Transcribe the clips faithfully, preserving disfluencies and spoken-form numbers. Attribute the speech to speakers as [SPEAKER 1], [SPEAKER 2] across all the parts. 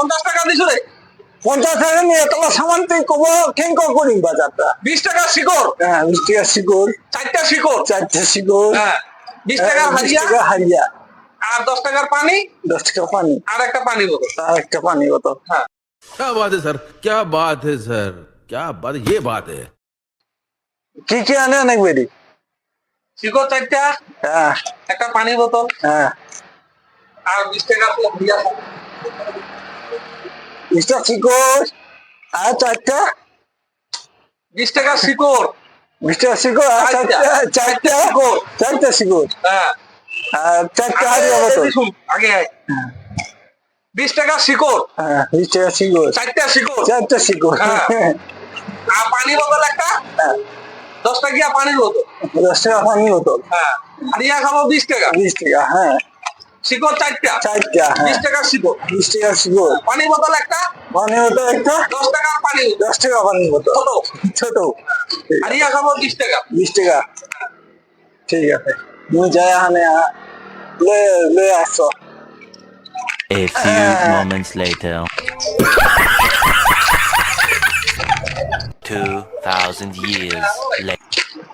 [SPEAKER 1] পঞ্চাশ টাকা দিছো রে
[SPEAKER 2] পঞ্চাশ টাকা নিয়ে এতলা সামান তুই কব কেন করিম বাজারটা
[SPEAKER 1] বিশ টাকা শিকড়
[SPEAKER 2] হ্যাঁ বিশ টাকা শিকড়
[SPEAKER 1] চারটা শিকড়
[SPEAKER 2] চারটে শিকড়
[SPEAKER 1] হ্যাঁ বিশ
[SPEAKER 2] হ্যাঁ,
[SPEAKER 1] টাকার
[SPEAKER 2] বিশ
[SPEAKER 1] হারিয়া
[SPEAKER 2] টাকা হারিয়া
[SPEAKER 1] আর দশ টাকার পানি
[SPEAKER 2] দশ টাকা পানি
[SPEAKER 1] আর একটা পানি বোতল
[SPEAKER 2] আর একটা পানি বোতল
[SPEAKER 1] হ্যাঁ
[SPEAKER 3] क्या बात है सर क्या बात है सर क्या बात ये बात है
[SPEAKER 2] কি কি আনে অনেক বেরি
[SPEAKER 1] শিকড় চারটা
[SPEAKER 2] হ্যাঁ
[SPEAKER 1] একটা পানি বোতল
[SPEAKER 2] হ্যাঁ
[SPEAKER 1] আর বিশ টাকা হারিয়া
[SPEAKER 2] বিশটা শিকড় আর চারটা
[SPEAKER 1] বিশ টাকার শিকড়
[SPEAKER 2] বিশ টাকা শিকড় আর চারটা চারটা শিকড় চারটা শিকড়
[SPEAKER 1] হ্যাঁ
[SPEAKER 2] আর চারটা হারিয়া বোতল
[SPEAKER 1] শুন, আগে আয়। বিশ টাকা শিকড়
[SPEAKER 2] হ্যাঁ বিশ টাকা শিকড়
[SPEAKER 1] চারটা শিকড়
[SPEAKER 2] চারটা শিকড়
[SPEAKER 1] হ্যাঁ। আর পানি বোতল একটা
[SPEAKER 2] হ্যাঁ
[SPEAKER 1] দশ টাকা পানির বোতল
[SPEAKER 2] দশ টাকা পানি বোতল
[SPEAKER 1] হ্যাঁ হারিয়া খাবো বিশ টাকা
[SPEAKER 2] বিশ টাকা হ্যাঁ
[SPEAKER 1] শিকড় চারটা
[SPEAKER 2] চারটা হ্যাঁ
[SPEAKER 1] বিশ টাকা শিকড়
[SPEAKER 2] বিশ টাকা শিকড়
[SPEAKER 1] পানি বোতল একটা
[SPEAKER 2] পানি বোতল একটা
[SPEAKER 1] দশ টাকার পানি বোতল।
[SPEAKER 2] দশ টাকা পানি বোতল
[SPEAKER 1] ছোট
[SPEAKER 2] ছোট
[SPEAKER 1] হারিয়া খাবো বিশ টাকা
[SPEAKER 2] বিশ টাকা ঠিক আছে তুমি যাই আনে লয়ে আসো
[SPEAKER 4] A few moments later. Two thousand years later.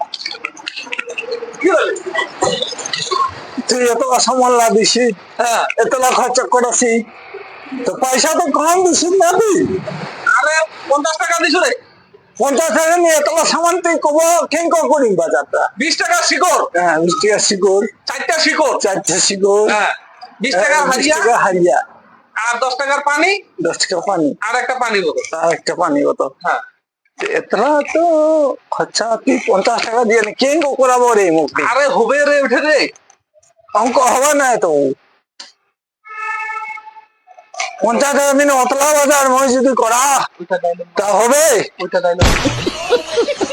[SPEAKER 1] কি হলো?
[SPEAKER 2] তুই এত সামান দিছি
[SPEAKER 1] হ্যাঁ
[SPEAKER 2] এতলা খরচা করেছি তো পয়সা তো কম দিছিস না তুই
[SPEAKER 1] আরে পঞ্চাশ টাকা দিছো রে
[SPEAKER 2] পঞ্চাশ টাকা নিয়ে এতলা সামান তুই কব কেন করিম বাজারটা
[SPEAKER 1] বিশ টাকা শিকড়
[SPEAKER 2] হ্যাঁ বিশ টাকা শিকড়
[SPEAKER 1] চারটা শিকড়
[SPEAKER 2] চারটে শিকড়
[SPEAKER 1] হ্যাঁ বিশ
[SPEAKER 2] হ্যাঁ,
[SPEAKER 1] টাকার
[SPEAKER 2] বিশ
[SPEAKER 1] হারিয়া
[SPEAKER 2] টাকা হারিয়া
[SPEAKER 1] আর দশ টাকার পানি
[SPEAKER 2] দশ টাকা পানি
[SPEAKER 1] আর একটা পানি বোতল
[SPEAKER 2] আর একটা পানি বোতল
[SPEAKER 1] হ্যাঁ
[SPEAKER 2] এতলা তো খরচা তুই পঞ্চাশ টাকা দিয়ে নি কেন করাবো রে মুক্তি
[SPEAKER 1] আরে হবে রে উঠে রে
[SPEAKER 2] অঙ্ক হবে না তো পঞ্চাশ টাকা দিনে অতলা বাজার মই যদি করা
[SPEAKER 1] ওইটা ডাইলগ
[SPEAKER 2] তা হবে
[SPEAKER 1] ওইটা ডাইলগ